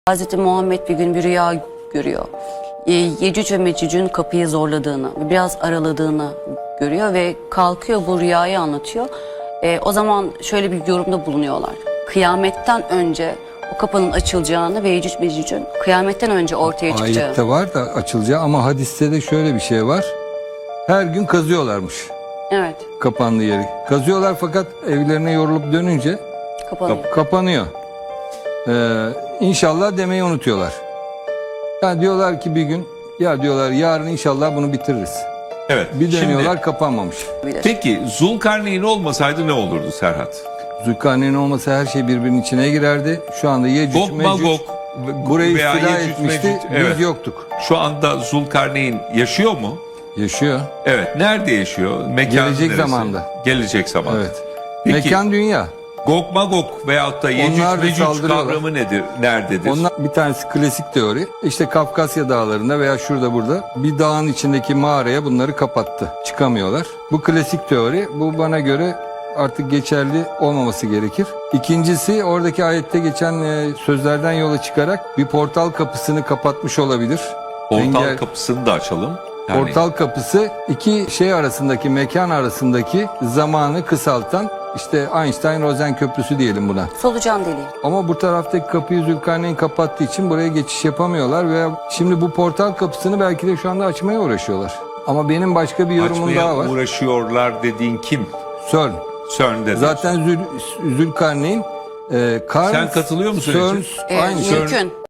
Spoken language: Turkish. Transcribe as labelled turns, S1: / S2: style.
S1: Hazreti Muhammed bir gün bir rüya görüyor. Yecüc ve Mecüc'ün kapıyı zorladığını, biraz araladığını görüyor ve kalkıyor bu rüyayı anlatıyor. O zaman şöyle bir yorumda bulunuyorlar. Kıyametten önce o kapının açılacağını ve Yecüc Mecüc'ün kıyametten önce ortaya çıkacağı.
S2: Ayette var da açılacağı ama hadiste de şöyle bir şey var. Her gün kazıyorlarmış
S1: Evet,
S2: kapandığı yeri. Kazıyorlar fakat evlerine yorulup dönünce
S1: kapanıyor.
S2: kapanıyor. İnşallah demeyi unutuyorlar. Yani diyorlar ki bir gün ya diyorlar yarın inşallah bunu bitiririz.
S3: Evet.
S2: Bir dönüyorlar
S3: Şimdi,
S2: kapanmamış.
S3: peki Zulkarneyn olmasaydı ne olurdu Serhat?
S2: Zülkarneyn olmasa her şey birbirinin içine girerdi. Şu anda Yecüc
S3: Gog
S2: Mecüc
S3: Magog
S2: burayı
S3: veya
S2: istila
S3: Yecüc,
S2: etmişti.
S3: Mecüc,
S2: Biz
S3: evet.
S2: yoktuk.
S3: Şu anda Zulkarneyn yaşıyor mu?
S2: Yaşıyor.
S3: Evet. Nerede yaşıyor? Mekan
S2: Gelecek
S3: neresi?
S2: zamanda.
S3: Gelecek zamanda.
S2: Evet.
S3: Peki
S2: Mekan dünya.
S3: Gog Magog veyahut da Yecüc
S2: Onlar da
S3: Mecüc
S2: saldırıyorlar.
S3: kavramı nedir? Nerededir?
S2: Onlar bir tanesi klasik teori. İşte Kafkasya dağlarında veya şurada burada bir dağın içindeki mağaraya bunları kapattı. Çıkamıyorlar. Bu klasik teori. Bu bana göre artık geçerli olmaması gerekir. İkincisi oradaki ayette geçen sözlerden yola çıkarak bir portal kapısını kapatmış olabilir.
S3: Portal kapısını da açalım. Yani
S2: Portal kapısı iki şey arasındaki mekan arasındaki zamanı kısaltan işte Einstein-Rosen köprüsü diyelim buna.
S1: Solucan deliği.
S2: Ama bu taraftaki kapıyı Zülkarneyn kapattığı için buraya geçiş yapamıyorlar ve şimdi bu portal kapısını belki de şu anda açmaya uğraşıyorlar. Ama benim başka bir yorumum
S3: açmaya
S2: daha var.
S3: uğraşıyorlar dediğin kim?
S2: CERN.
S3: CERN'de.
S2: Zaten Zülkarneyn
S3: Sen katılıyor musun
S2: CERN
S3: Ece?
S2: aynı şey.
S1: Mümkün.